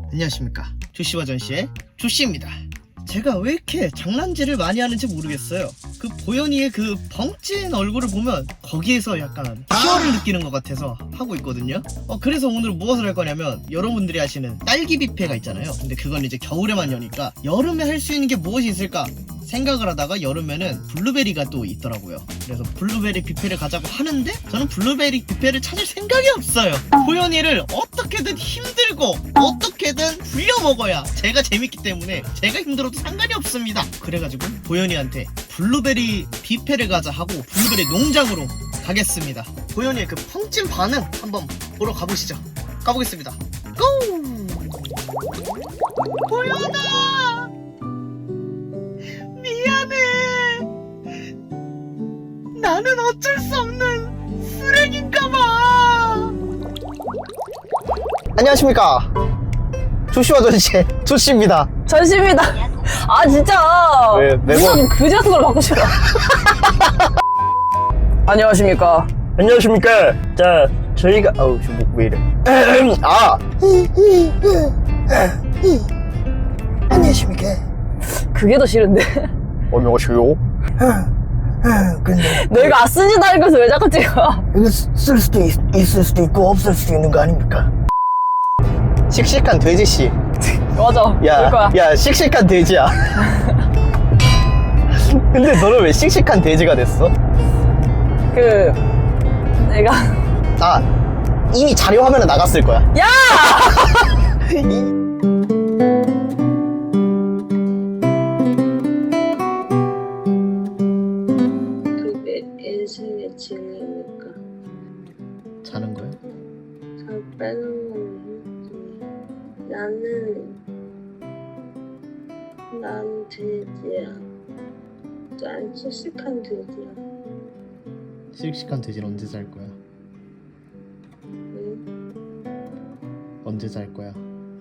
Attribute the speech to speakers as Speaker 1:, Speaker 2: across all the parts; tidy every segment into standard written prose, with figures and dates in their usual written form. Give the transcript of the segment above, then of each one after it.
Speaker 1: 안녕하십니까, 조씨와 전씨의 조씨입니다. 제가 왜 이렇게 장난질을 많이 하는지 모르겠어요. 그 보현이의 그 벙찐 얼굴을 보면 거기에서 약간 희열을 느끼는 것 같아서 하고 있거든요. 그래서 오늘 무엇을 할 거냐면, 여러분들이 아시는 딸기 뷔페가 있잖아요. 근데 그건 이제 겨울에만 여니까 여름에 할 수 있는 게 무엇이 있을까 생각을 하다가 여름에는 블루베리가 또 있더라고요. 그래서 블루베리 뷔페를 가자고 하는데 저는 블루베리 뷔페를 찾을 생각이 없어요. 보현이를 어떻게든 힘들고 어떻게든 굴려 먹어야 제가 재밌기 때문에 제가 힘들어도 상관이 없습니다. 그래가지고 보현이한테 블루베리 뷔페를 가자 하고 블루베리 농장으로 가겠습니다. 보현이의 그 펑찐 반응 한번 보러 가보시죠. 가보겠습니다. 고! 보현아! 미안해. 나는 어쩔 수 없는 쓰레기인가봐. 안녕하십니까, 조씨와 전씨의 조씨입니다.
Speaker 2: 전시입니다. 아 진짜.
Speaker 1: 왜, 매번-
Speaker 2: 무슨 그지 같은 걸 받고 싶어. 안녕하십니까.
Speaker 1: 안녕하십니까. 자, 저희가 왜 이래. 안녕하십니까.
Speaker 2: 그게 더 싫은데.
Speaker 1: 안녕하세요. 근데
Speaker 2: 내가 쓰지도 않은 것을 왜 자꾸 찍어.
Speaker 1: 이거 쓸 수도 있을 수도 있고 없을 수도 있는 거 아닙니까? 씩씩한 돼지씨.
Speaker 2: 맞아. 볼 거야.
Speaker 1: 야, 씩씩한 돼지야. 근데 너는 왜 씩씩한 돼지가 됐어?
Speaker 2: 그 내가
Speaker 1: 이미 자료 화면에 나갔을 거야.
Speaker 2: 야!
Speaker 3: 그게 인생의 진리니까
Speaker 1: 자는 거야?
Speaker 3: 잘 빼는 건 힘들지. 난 돼지야. 난 씩씩한 돼지야.
Speaker 1: 씩씩한 돼지는 언제 잘 거야?
Speaker 3: 응?
Speaker 1: 언제 잘 거야?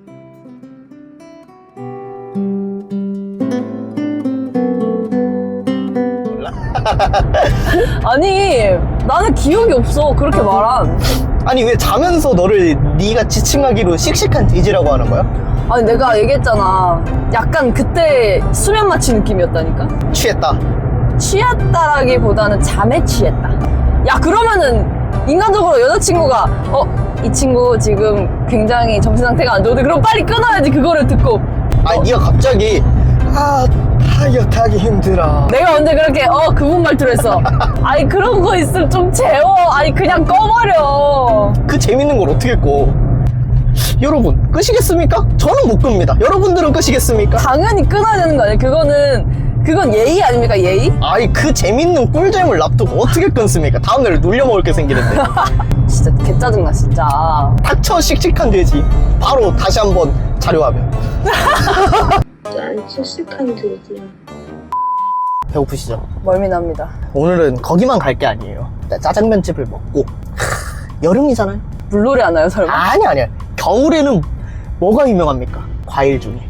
Speaker 2: 아니 나는 기억이 없어. 그렇게 말한.
Speaker 1: 아니, 왜 자면서 너를 네가 지칭하기로 씩씩한 돼지라고 하는 거야?
Speaker 2: 아니 내가 얘기했잖아. 약간 그때 수면 마취 느낌이었다니까.
Speaker 1: 취했다.
Speaker 2: 취했다라기보다는 잠에 취했다. 야 그러면은 인간적으로 여자친구가 이 친구 지금 굉장히 정신 상태가 안 좋은데 그럼 빨리 끊어야지. 그거를 듣고
Speaker 1: 아니, 네가 갑자기 다이어트 하기 힘들어.
Speaker 2: 내가 언제 그렇게 그분 말투로 했어. 아니 그런 거 있으면 좀 재워. 아니 그냥 꺼버려.
Speaker 1: 그 재밌는 걸 어떻게 꺼? 여러분, 끄시겠습니까? 저는 못 끕니다. 여러분들은 끄시겠습니까?
Speaker 2: 당연히 끊어야 되는 거 아니야. 그건 예의 아닙니까? 예의?
Speaker 1: 아니, 그 재밌는 꿀잼을 놔두고 어떻게 끊습니까? 다음날 놀려먹을 게 생기는데.
Speaker 2: 진짜 개짜증나 진짜.
Speaker 1: 닥쳐, 씩씩한 돼지. 바로 다시 한번 자료화면.
Speaker 3: 난 씩씩한 돼지야.
Speaker 1: 배고프시죠?
Speaker 2: 멀미납니다.
Speaker 1: 오늘은 거기만 갈 게 아니에요. 짜장면집을 먹고. 여름이잖아요.
Speaker 2: 물놀이 하나요 설마?
Speaker 1: 아니야. 겨울에는 뭐가 유명합니까? 과일 중에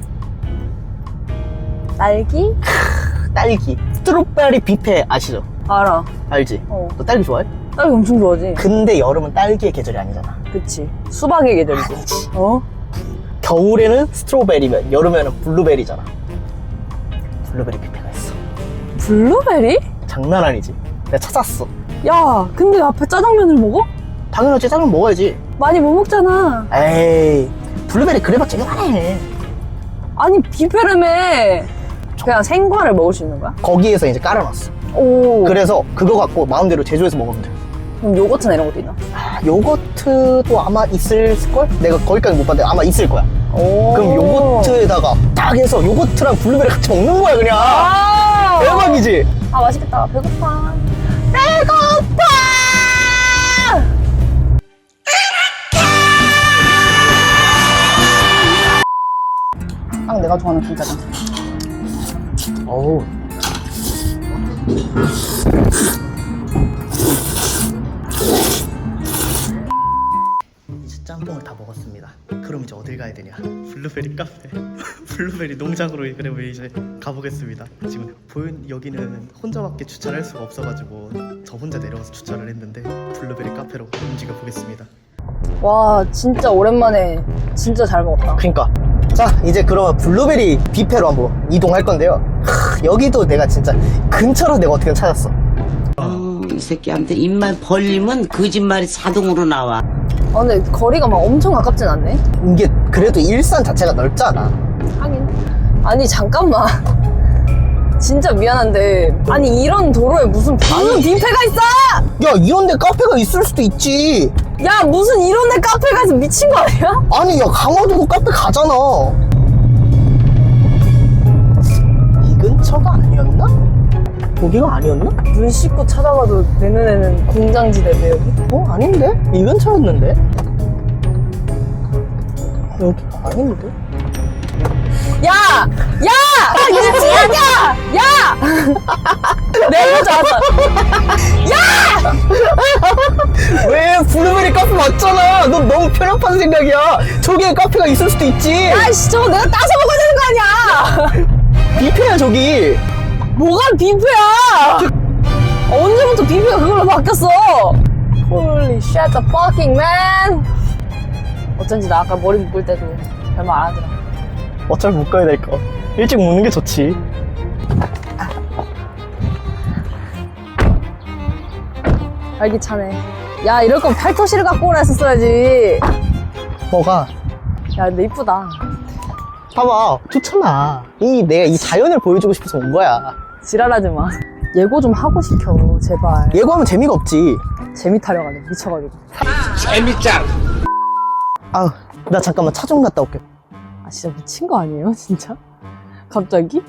Speaker 2: 딸기?
Speaker 1: 딸기. 스트로베리 뷔페 아시죠?
Speaker 2: 알아.
Speaker 1: 알지?
Speaker 2: 어.
Speaker 1: 너 딸기 좋아해?
Speaker 2: 딸기 엄청 좋아하지.
Speaker 1: 근데 여름은 딸기의 계절이 아니잖아.
Speaker 2: 그치. 수박의 계절이지.
Speaker 1: 아니지. 겨울에는 스트로베리면 여름에는 블루베리잖아. 블루베리 뷔페가 있어.
Speaker 2: 블루베리?
Speaker 1: 장난 아니지. 내가 찾았어.
Speaker 2: 야 근데 앞에 짜장면을 먹어?
Speaker 1: 당연하지, 짜장면 먹어야지.
Speaker 2: 많이 못 먹잖아.
Speaker 1: 에이, 블루베리 그래봤자 요만해.
Speaker 2: 아니 뷔페라며. 그냥 생과를 먹을 수 있는 거야?
Speaker 1: 거기에서 이제 깔아놨어.
Speaker 2: 오.
Speaker 1: 그래서 그거 갖고 마음대로 제조해서 먹으면 돼.
Speaker 2: 그럼 요거트나 이런 것도 있나?
Speaker 1: 요거트도 아마 있을걸? 내가 거기까지 못 봤는데 아마 있을 거야.
Speaker 2: 오.
Speaker 1: 그럼 요거트에다가 딱 해서 요거트랑 블루베리 같이 먹는 거야 그냥.
Speaker 2: 아
Speaker 1: 대박이지?
Speaker 2: 아 맛있겠다. 배고파. 딱 내가 좋아하는 김짜장.
Speaker 1: 어우. 이제 짬뽕을 다 먹었습니다. 그럼 이제 어딜 가야 되냐? 블루베리 카페. 블루베리 농장으로 그러면 이제 가보겠습니다. 지금 여기는 혼자밖에 주차를 할 수가 없어가지고 저 혼자 내려가서 주차를 했는데 블루베리 카페로 움직여 보겠습니다.
Speaker 2: 와 진짜 오랜만에 진짜 잘 먹었다.
Speaker 1: 그니까 자, 이제 그러면 블루베리 뷔페로 한번 이동할 건데요. 여기도 내가 진짜 근처로 내가 어떻게 찾았어.
Speaker 4: 이 새끼한테 입만 벌리면 거짓말이 자동으로 나와.
Speaker 2: 아 근데 거리가 막 엄청 가깝진 않네.
Speaker 1: 이게 그래도 일산 자체가 넓잖아.
Speaker 2: 하긴. 아니 잠깐만. 진짜 미안한데 아니 이런 도로에 무슨 뷔페가 있어?
Speaker 1: 야, 이런데 카페가 있을 수도 있지.
Speaker 2: 야 무슨 이런 데 카페가 있어 미친 거 아니야?
Speaker 1: 아니, 야, 강화도도 카페 가잖아. 이 근처가 아니었나? 거기가 아니었나?
Speaker 2: 눈 씻고 찾아봐도 내 눈에는 공장지대인데 여기?
Speaker 1: 아닌데? 이 근처였는데? 여기가 아닌데?
Speaker 2: 야! 야! 미친년이야! 야! 내가 잡았어.
Speaker 1: 왜? 블루베리 카페 맞잖아. 너 너무 편협한 생각이야. 저기에 카페가 있을 수도 있지.
Speaker 2: 아이씨 저거 내가 따서 먹어야 되는 거 아니야!
Speaker 1: 뷔페야, 저기.
Speaker 2: 뭐가 뷔페야! 언제부터 뷔페가 그걸로 바뀌었어? Holy shit the fucking man! 어쩐지 나 아까 머리 묶을 때도 별말 안 하더라.
Speaker 1: 어차피 묶어야 될 거. 일찍 묶는 게 좋지.
Speaker 2: 활기차네. 야 이럴 거면 팔토시를 갖고 오라 했었어야지.
Speaker 1: 뭐가?
Speaker 2: 야 근데 이쁘다.
Speaker 1: 봐봐, 좋잖아. 내가 이 자연을 보여주고 싶어서 온 거야.
Speaker 2: 지랄하지 마. 예고 좀 하고 시켜 제발.
Speaker 1: 예고하면 재미가 없지.
Speaker 2: 재미 타령하네 미쳐가지고.
Speaker 1: 아우, 나 잠깐만 차 좀 갔다 올게.
Speaker 2: 아 진짜 미친 거 아니에요 진짜? 갑자기?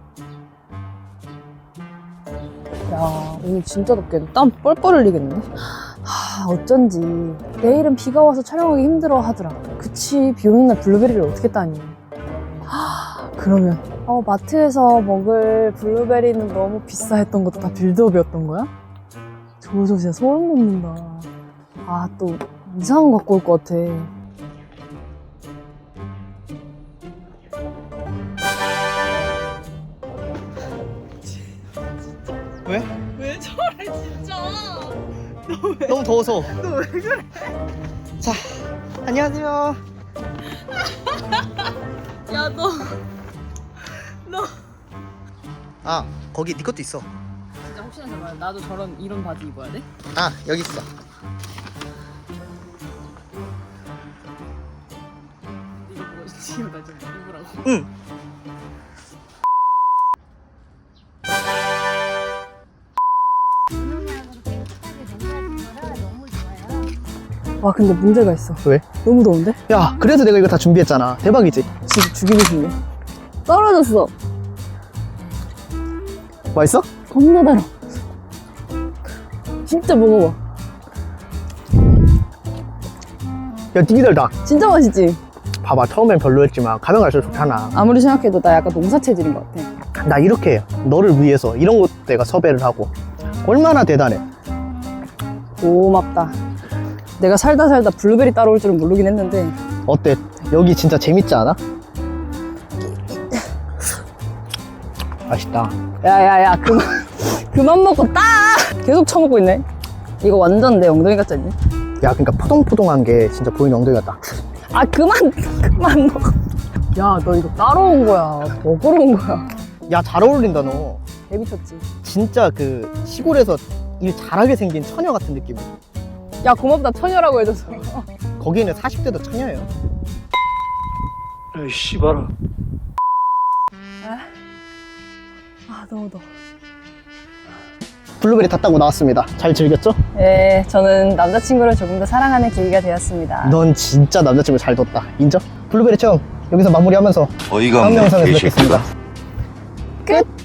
Speaker 2: 야 오늘 진짜 덥겠네. 땀 뻘뻘 흘리겠네. 하 어쩐지 내일은 비가 와서 촬영하기 힘들어 하더라. 그치 비 오는 날 블루베리를 어떻게 따니. 하 그러면 마트에서 먹을 블루베리는 너무 비싸 했던 것도 다 빌드업이었던 거야? 저거 진짜 소름 돋는다. 아 또 이상한 거 갖고 올 것 같아.
Speaker 1: 왜?
Speaker 2: 왜 저래 진짜.
Speaker 1: 너무 더워서. 너 왜 그래? 자, 안녕하세요.
Speaker 2: 야 너
Speaker 1: 아, 거기 네 것도 있어.
Speaker 2: 진짜 혹시나 해봐. 나도 이런 바지 입어야 돼?
Speaker 1: 아, 여기 있어.
Speaker 2: 이거 보고 지금 나좀 입으라고.
Speaker 1: 응.
Speaker 2: 와 근데 문제가 있어.
Speaker 1: 왜?
Speaker 2: 너무 더운데?
Speaker 1: 야, 그래서 내가 이거 다 준비했잖아. 대박이지?
Speaker 2: 지금 죽이고 싶네. 떨어졌어.
Speaker 1: 맛있어?
Speaker 2: 겁나 달아. 진짜 먹어봐.
Speaker 1: 야, 되게 달다.
Speaker 2: 진짜 맛있지?
Speaker 1: 봐봐, 처음엔 별로였지만 가면 갈수록 좋잖아.
Speaker 2: 아무리 생각해도 나 약간 농사 체질인 것 같아.
Speaker 1: 나 이렇게 너를 위해서 이런 것 내가 섭외를 하고 얼마나 대단해.
Speaker 2: 고맙다. 내가 살다 블루베리 따라올 줄은 모르긴 했는데.
Speaker 1: 어때? 여기 진짜 재밌지 않아? 맛있다.
Speaker 2: 야야야 그만 먹고 따! 계속 처먹고 있네. 이거 완전 내 엉덩이 같지 않니?
Speaker 1: 야, 그러니까 포동포동한 게 진짜 보이는 엉덩이 같다.
Speaker 2: 아 그만 먹어. 야 너 이거 따러 온 거야 먹으러 온 거야.
Speaker 1: 야, 잘 어울린다 너.
Speaker 2: 개미쳤지.
Speaker 1: 진짜 그 시골에서 일 잘하게 생긴 처녀 같은 느낌.
Speaker 2: 야 고맙다 처녀라고 해줘서.
Speaker 1: 거기는 40대도 처녀예요.
Speaker 5: 에이 씨발아.
Speaker 2: 아 너무 더워.
Speaker 1: 블루베리 다 따고 나왔습니다. 잘 즐겼죠?
Speaker 2: 네 저는 남자친구를 조금 더 사랑하는 계기가 되었습니다.
Speaker 1: 넌 진짜 남자친구 잘 뒀다. 인정? 블루베리 체험 여기서 마무리하면서
Speaker 5: 어이가
Speaker 1: 다음
Speaker 5: 없네.
Speaker 1: 영상에서
Speaker 5: 개새끼가.
Speaker 1: 뵙겠습니다.
Speaker 2: 끝!